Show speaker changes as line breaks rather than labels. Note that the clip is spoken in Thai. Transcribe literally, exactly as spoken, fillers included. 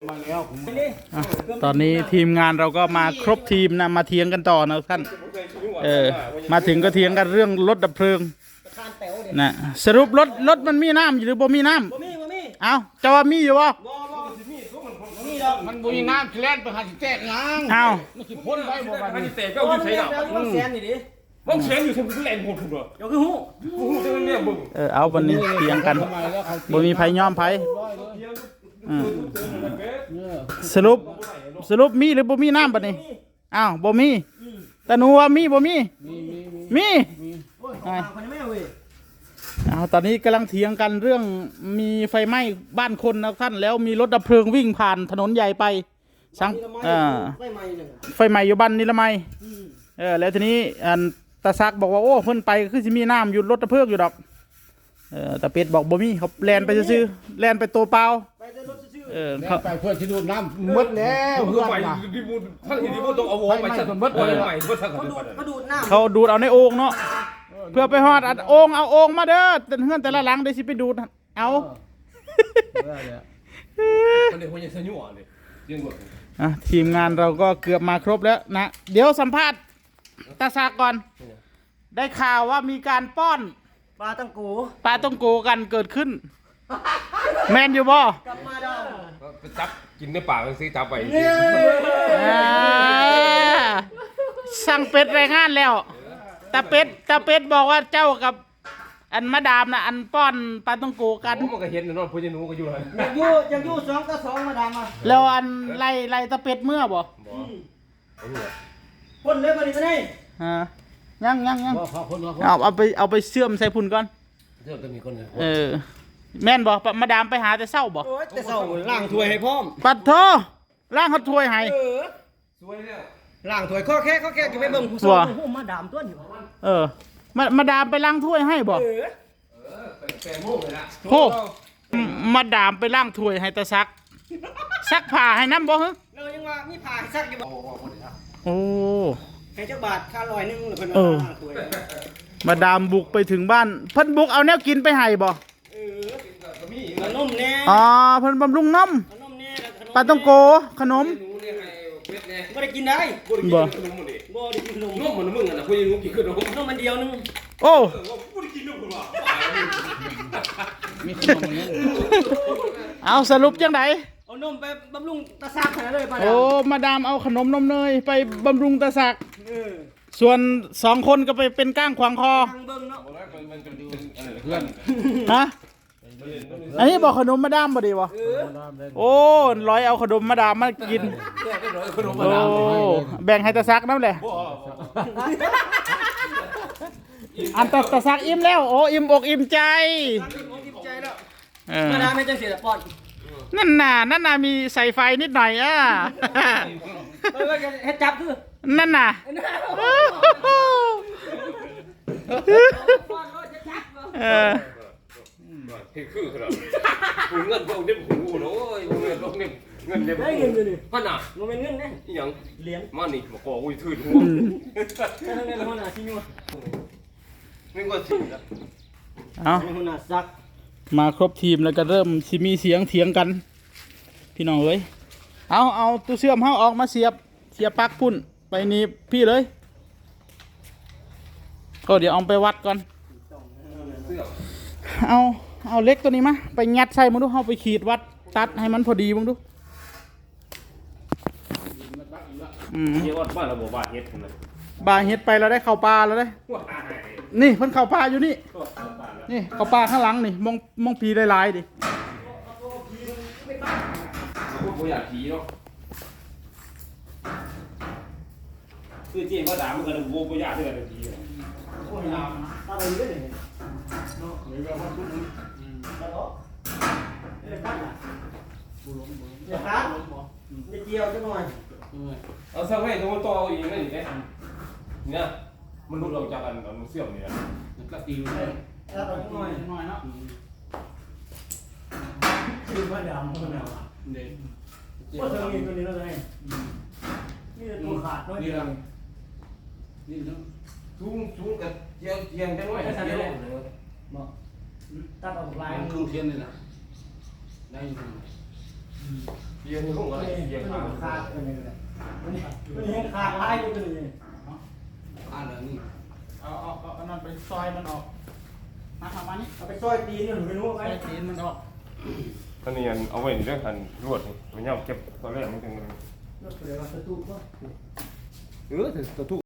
ตอนนี้ทีมงานเราก็มาครบทีมนะมาเถียงกันต่อนะท่านเออมาถึงก็เถียงกันเรื่องรถดับเพลิงนะสรุปรถรถมันมีน้ำหรือบ่มีน้ำเอาจะว่ามีอยู่บ่
มันบุญน้ำแล่นไปหาสิแตกงาง
เอา
มันสิพ้นไปบ่บัดนี้
แตกก็อยู่ใส่ดอก
วงแสนนี่ดิ
วงแสนอยู่ทำแรงโหดถูกเหรอ
เดี๋ยวคือหู
หูจะเป็นเนี่ยบึ้ง
เออเอาวันนี้เถียงกันบ่มีไผยอมไผสรุปสรุปมีหรือบ่มีน้ำบัดนี้อ้าวบ่มีแต่หนูว่ามีบ่มีมีเอาตอนนี้กำลังเถียงกันเรื่องมีไฟไหม้บ้านคนนะท่านแล้วมีรถดับเพลิงวิ่งผ่านถนนใหญ่ไปสังอ่าไฟไหม้อยู่บ้านนิรมัยเออแล้วทีนี้อันตาซักบอกว่าโอ้เพิ่นไปคือสิมีน้ำอยู่รถดับเพลิงอยู่ดอกเออตาเป็ดบอกบ่มีเขาแลนไปซื้อแลนไปตัวเปล่าเออเขา
ไปเพื่อที่ดูน้ำมดแล้วเพื่อน
ไปดิบูท่านดิบูต้องเอาวงไปสั่นมดไปใหม่มดสั่นเขาดูด
เขาดูดน้ำ
เขาดูดเอาในโอ่งเนาะเพื่อไปฮอดโอ่งเอาโอ่งมาเด้อแต่เฮือนแต่ละหลังได้สิไปดูดเอา
คนเดียวคนยังสนุกเลยยังหมด
อ่ะทีมงานเราก็เกือบมาครบแล้วนะเดี๋ยวสัมภาษณ์ตาซากก่อนได้ข่าวว่ามีการป้อน
ปลาต้องโก
ปลาต้องโกกันเกิดขึ้นแมนอยู่บ่
กลับมาดอ
มจับกินในปากมันซื้อจับไป
สั่งเป็ดรายงานแล้วตาเป็ดตาเป็ดบอกว่าเจ้ากับอันมาดามนะอันป้อนปลาต้องโกกัน
มันก็เห็นนะน้องพูดยังนู้ก็อยู่เลย
ยังอยู่ยังอยู่สองต่อสองมาดามมา
แล้วอันไล่ไล่ตาเป็ดเมื่อบ่
คนเลยมาดิมาได้
ฮะยังยังยังเอาเอาไปเอาไปเชื่อมใส่พุ่นก่อน
เชื่อมจะมีคนเลย
เออแม่นบ่มาดามไปหาแต่เศร้าบ่
แต่เศร้าล่างถ้วยให้พร้อม
ปัดโทล่างเขาถ้วยให้
สวยแล้ว
ล่างถ้วยข้อแค่ข้อแค่จะไปเบิ่งผู้ชมมาดามตัวนี้
เออมามาดามไปล้างถ้วยให้บ่
เออ
เออแปดโมงเลยนะ
โหมาดามไปล้างถ้วยให้ตาซักซักผ้าให้น้ำบ่ฮะ
เรายังว่ามีผ้าซักอยู่บ่
โอ้
ให้เจ้าบาทค่าลอยนึงหรือเพิ่นล้างถ้วย
มาดามบุกไปถึงบ้านเพิ่นบุกเอาแนวกินไปให้บ่
เออขนมแน่
อ๋อเพิ่นบำรุงน้ำ
ขนมแน่
ปลาต้องโกขนม
บ่ได้กินได้
บ่
บ่ได้กินขนม
นมมันมึงอ่ะนะพูดยังนู้กินขนม
นมมันเดียวนึง
โอ้
พูดกินนมกูว่า
มีขนมมันเนี่ย
เอาสรุปจังได
เอานมไปบำรุงตาซักให้เลยป้าดาม
โอ้มาดามเอาขนมนมเนยไปบำรุงตาซักส่วนสองคนก็ไปเป็นก้างขวางคอ
เพื่อน
ฮะอันนี้บอกขนมมาดามบ่ดีบ่โอ้ร้อยเอาขนมมาดามมากินโอ้แบ่งให้ตาซักน้ำเลยอันตาตาซักอิ่มแล้วโอ้อิ่มอกอิ่มใจ
มาดามไม่จังเสียปอด
นั่นน่ะนั่นน่ะมีใส่ไฟนิดหน่อยอ่ะ
เฮ็ดจับคือ
นั่นน่ะเออ
เฮ้ยคือครับกูเงินพวกนี้กูโอ้ยเงินพวกนี้เงินเนี่ย
เงินอยู่นี่
พันอ่ะ
มันเป็นเงินนะ
ยัง
เหรียญ
มานี่มาขอกูถือหัว
เงินหัวหน้าชิว
เงินก็ชิวแล้ว
เอา
หัวหน้าซัก
มาครบทีมแล้วก็เริ่มมีเสียงเถียงกันพี่น้องเอ้ยเอาเอาตู้เชื่อมเฮาออกมาเสียบเสียบปลั๊กพุ่นไปนี่พี่เลยก็เดี๋ยวเอาไปวัดก่อนเอาเอาเล็กตัวนี้มาไปงัดใส่มึงดูเอาไปขีดวัดตัดให้มันพอดีมึงดู
อืมเยอะวัดบ้านเราบอกบาเฮ็ดเลย
บาเฮ็ดไปเราได้เข้าปลาแล้วได้นี่เพิ่นเข้าปลาอยู่นี่นี่เข้าปลาข้างหลังนี่มองมองผีหลายๆดิ
พวกอยากผีเนาะคือเจ๊ว่าด่ามันกันโว้ก็อยากด้วยกันผีโอ้ยด่าอะไรด้วยเนี่ยเนาะเดี๋ยวเราพูดอืมแล้วก็เดี๋ยวพัดอ่ะบุหลงบุหลงเดี๋ยวพัดเดี๋ยวเกี่ยวจังหน่อยเอาสักให้ตัวโตอีกนั่นอีกเนี่ยมันรุดออกจากกันมันเสื่อมเนี่ยมันก็ตีเลย
แล้วตัวน้อยน้อยเนาะคือว่าดำมันเอาเด็กว่าเธอมีตัวนี้แล้วไงนี่ตัวขาดด้วยนี่ละ
นี่นะทุ่งทุ่งกับเจียงเจียงจังหน่อยเจียงเลย
บอกตัดออกลาย
ทุ่งเทียนนี่นะได้ยังไง
เยี่ยมห้องอะไรเยี่ยม
มัน
ขา
ขาดอะไรกันเลยมันยังขาดลายกันเลย
อ่านเดี๋ยวนี้
เอาเอาเอาอันนั้นไปซอยมันออกมาทำมานี่
เอาไปซอยตีนหนูไปรู้
ซ
ไหม
อยตีนมันออก
อันนี้เอาไว้ในเรื่องการรวดมันเนี่ยเก็บตอนแรกมันถึง
รถเปลี่ยนมาสตูก็
เออตัวทุ